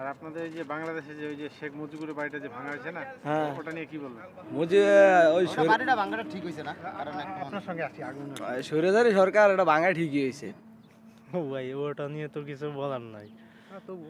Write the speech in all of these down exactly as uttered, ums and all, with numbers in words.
আর আপনাদের এই যে বাংলাদেশে যে ওই যে শেখ মুজিবুরের বাড়িটা যে ভাঙা হয়েছে না, হ্যাঁ ওটা নিয়ে কি বলবেন? মুজি ওই ওটা বাড়িটা ভাঙাটা ঠিক হইছে না, কারণ এখন আপনার সঙ্গে আসছি আগুন সৈরাজারি সরকার এটা ভাঙা ঠিকই হয়েছে। ও ভাই ওটা নিয়ে তো কিছু বলার নাই। তবু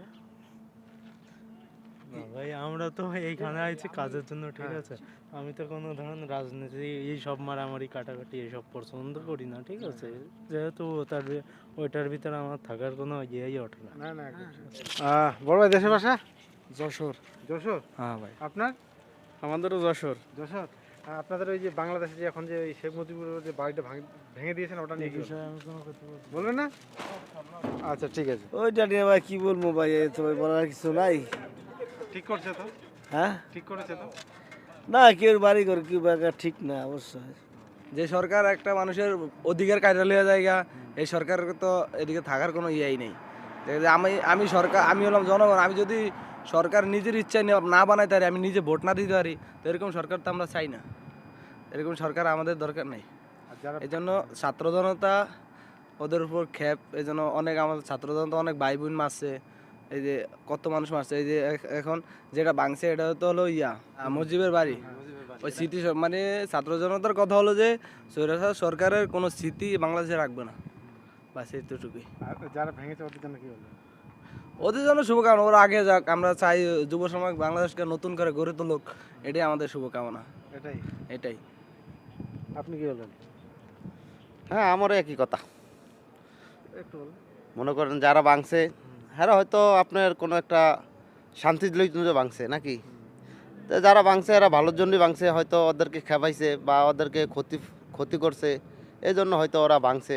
না ভাই আমরা তো এইখানে আইছি কাজের জন্য, ঠিক আছে। আমি তো কোনো ধরুন রাজনীতি এই সব মারামারি কাটাকাটি এইসব পছন্দ করি না, ঠিক আছে। যেহেতু ওটার ভি- ওইটার ভিতরে আমার থাকার কোনো ইয়েই ওঠে না। না না আহ, বড় ভাই দেশের ভাষা যশোর। যশোর। হ্যাঁ ভাই আপনার আমাদেরও যশোর। যশোর। আহ, আপনাদের ওই যে বাংলাদেশে যে এখন যে ওই শেখ মুজিবুরের যে বাড়িটা ভাঙ- ভেঙে দিয়েছেন ওটা নিয়ে কি বলবেন? আমি কোনো কথা বলবো না। বলবেন না? আচ্ছা ঠিক আছে। ওইটা নিয়ে ভাই কি বলবো ভাই, এই তো ভাই বলার কিছু নাই। ঠিক করছে তো? হ্যাঁ ঠিক করেছে তো? না কেউ বাড়ি করে কেউ বাড়ি ঠিক না অবশ্যই। যে সরকার একটা মানুষের অধিকার কায়দা লইয়া জায়গা, এই সরকারের তো এদিকে থাকার কোনো ইয়েই নেই। যে আমি আমি সরকার আমি হলাম জনগণ, আমি যদি সরকার নিজের ইচ্ছায় না- না বানাইতে পারি, আমি নিজে ভোট না দিতে পারি, তো এরকম সরকার তো আমরা চাই না। এরকম সরকার আমাদের দরকার নেই। আর যারা এই জন্য ছাত্র জনতা ওদের উপর ক্ষেপ, এই জন্য অনেক আমাদের ছাত্র জনতা অনেক ভাই বোন মারছে, এই যে কত মানুষ মারছে। এই যে এখ- এখন যেটা ভাঙছে এটা তো হলো ইয়া আহ, মুজিবের বাড়ি। ওই স্মৃতি সব- মানে ছাত্র জনতার কথা হলো যে স্বৈরাচার সরকারের কোনো স্মৃতি বাংলাদেশে রাখবে না, বাস এইটুকুই। আর যারা ভেঙেছে ওদের জন্য কি বলবেন? ওদের জন্য শুভকামনা, ওরা আগে যাক। আমরা চাই যুব সমাজ বাংলাদেশকে নতুন করে গড়ে তুলুক, এটাই আমাদের শুভকামনা। এটাই। এটাই। আপনি কি বলবেন? হ্যাঁ আমারও একই কথা। একটু বলুন। মনে করেন যারা ভাঙছে হ্যাঁ হয়তো আপনার কোনো একটা শান্তির জন্য ভাঙছে নাকি, তো যারা ভাঙছে এরা ভালোর জন্যই ভাঙছে, হয়তো ওদেরকে খেপাইছে বা ওদেরকে ক্ষতি ক্ষতি করছে, এই জন্য হয়তো ওরা ভাঙছে।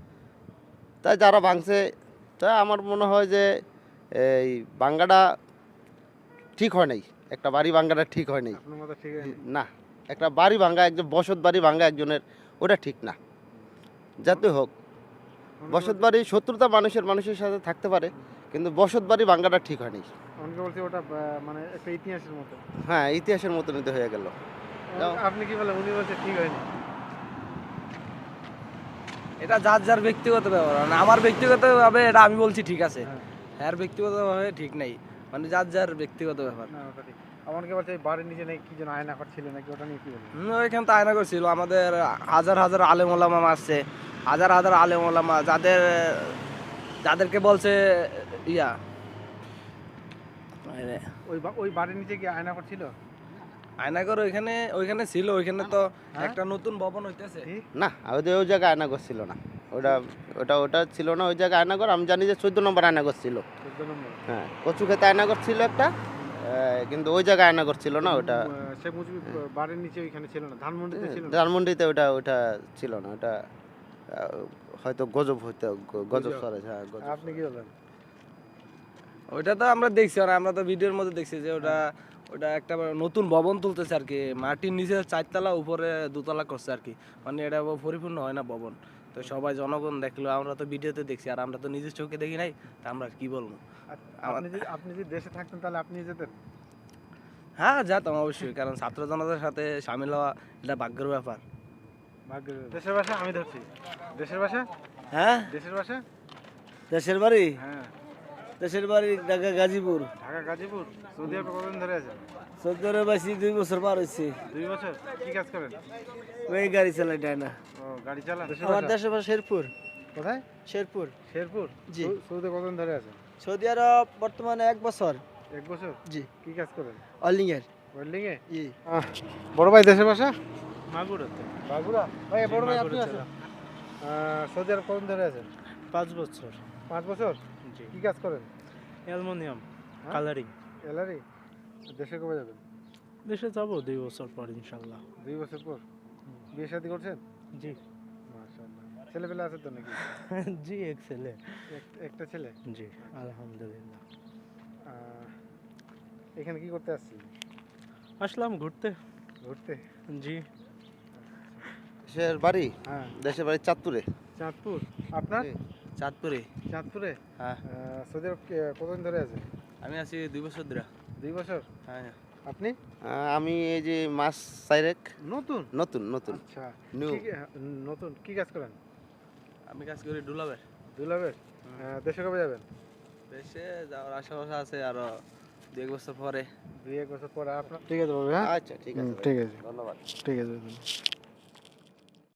তাই যারা ভাঙছে, তাই আমার মনে হয় যে এই ভাঙ্গাটা ঠিক হয় নাই, একটা বাড়ি ভাঙ্গাটা ঠিক হয় নাই। আপনার মতো ঠিক আছে? না, একটা বাড়ি ভাঙ্গা, একজন বসত বাড়ি ভাঙ্গা একজনের, ওটা ঠিক না। যাতে হোক বসত বাড়ি, শত্রুতা মানুষের মানুষের সাথে থাকতে পারে, কিন্তু বসত বাড়ি ভাঙ্গাটা ঠিক হয়নি। অনেকে বলছে ওটা আহ, মানে একটা ইতিহাসের মতো। হ্যাঁ ইতিহাসের মতো নিতে হয়ে গেল। যাও। আপনি কি বলেন? উনি বলছে ঠিক হয়নি। এটা যার যার ব্যক্তিগত ব্যাপার, মানে আমার ব্যক্তিগতভাবে এটা আমি বলছি ঠিক আছে, হ্যাঁ। হ্যার ব্যক্তিগতভাবে ঠিক নেই, মানে যার যার ব্যক্তিগত ব্যাপার। না ওটা ঠিক। আমাকে বলছে এই বাড়ির নিচে নাকি কি যেন আয়না ঘর ছিল নাকি, ওটা নিয়ে কি বলবেন? হুম, ওইখানে তো আয়না করছিল, আমাদের হাজার হাজার আলেম ওলামা আসছে, হাজার হাজার আলেম ওলামা, যাদের যাদেরকে বলছে ইয়া মানে ওই বা- ওই বাড়ির নিচে কি আয়না ঘর ছিল? আয়নাগর ওইখানে ওইখানে ছিল, ওইখানে তো একটা নতুন ভবন হইতেছে। কি? না ওদের ওই জায়গায় আয়নাগর ছিল না, ওটা ওটা ওটা ছিল না ওই জায়গায় আয়নাগর। আমি জানি যে চোদ্দ নম্বর আয়নাগর ছিল। চোদ্দ নম্বর। হ্যাঁ কচু খেতে আয়নাগর ছিল একটা, আহ, কিন্তু ওই জায়গায় আয়নাগর ছিল না। ওটা আহ, শেখ মুজিব বাড়ির নিচে ওইখানে ছিল না, ধানমন্ডিতে ছিল না। ধানমন্ডিতে ওটা ওটা ছিল না, ওটা আহ, হয়তো গজব হইতে গ- গজব গজব। সরে, হ্যাঁ গজব। আপনি কি বলেন? ওইটা তো আমরা দেখছি, আর আমরা তো ভিডিওর মধ্যে দেখছি যে ওটা ওটা একটা নতুন ভবন তুলতেছে আর কি, মাটির নিচে চারতলা উপরে দুতলা করছে আর কি, মানে এটা পরিপূর্ণ হয় না ভবন। তো সবাই জনগণ দেখলো, আমরা তো ভিডিওতে দেখছি, আর আমরা তো নিজের চোখে দেখি নাই, তা আমরা আর কি বলবো। আর আপনি যদি আপনি যদি দেশে থাকতেন তাহলে আপনি যেতেন? হ্যাঁ যেতাম অবশ্যই, কারণ ছাত্র জনতার সাথে সামিল হওয়া এটা ভাগ্যের ব্যাপার। ভাগ্যের। দেশের ভাষা আমি ধরছি। দেশের ভাষা? হ্যাঁ দেশের ভাষা? দেশের বাড়ি, হ্যাঁ। দেশের বাড়ি ঢাকা গাজীপুর। ঢাকা গাজীপুর। সৌদি আরবে কতদিন ধরে আছেন? চোদ্দ বাসি দুই বছর পার হয়েছে। দুই বছর। কি কাজ করেন? ওই গাড়ি চালাই না। ও গাড়ি চালান। দেশের আমার ভাষা? দেশের বাড়ি শেরপুর। কোথায়? শেরপুর শেরপুর। জি। সৌ- সৌদি কতদিন ধরে আছেন? সৌদি আরব বর্তমানে এক বছর। এক বছর। জি। কি কাজ করেন? অলিং এর। ওয়েল্ডিং এ? জি। আহ, বড় ভাই দেশের ভাষা? মাগুরাতে বাগুড়া। ভাই বড় ভাই আপনি মাগুরা আছেন? জেলা। আহ, সৌদি আরব কতদিন ধরে আছেন? পাঁচ বছর। পাঁচ বছর। জি। কি কাজ করেন? অ্যালুমিনিয়াম হ্যাঁ? কালারিং। এলারি। দেশে কবে যাবেন? দেশে যাবো দুই বছর পর ইনশাল্লাহ। দুই বছর পর। বিয়ে শাদী করছেন? জি। মাশাআল্লাহ। ছেলেপেলে আছে তো নাকি? জি এক ছেলে। এক- একটা ছেলে। জি আলহামদুলিল্লাহ। আহ, এখানে কি করতে আসছি? আসলাম ঘুরতে। ঘুরতে? জি। দেশের বাড়ি, হ্যাঁ। দেশের বাড়ি চাঁদপুরে। চাঁদপুর। আপনার? জি। চাঁদপুরে। চাঁদপুরে। হ্যাঁ আহ, সৌদি আরব কে- কতদিন ধরে আছেন? আমি আছি দুই বছর ধরে। দুই বছর। হ্যাঁ আপনি? আহ, আমি এই যে মাস সাইরেক নতুন। নতুন নতুন আচ্ছা। নিউ। কি- হ্যাঁ, নতুন কি কাজ করেন? আমি কাজ করি ডুলাবের। দুলাবের। দেশে কবে যাবেন? দেশে যাওয়ার আশেপাশে আছে আরো দু এক বছর পরে। দুই এক বছর পরে আপনার ঠিক আছে বাবু, হ্যাঁ আচ্ছা ঠিক আছে হুম, ভাই। ঠিক আছে ধন্যবাদ। ঠিক আছে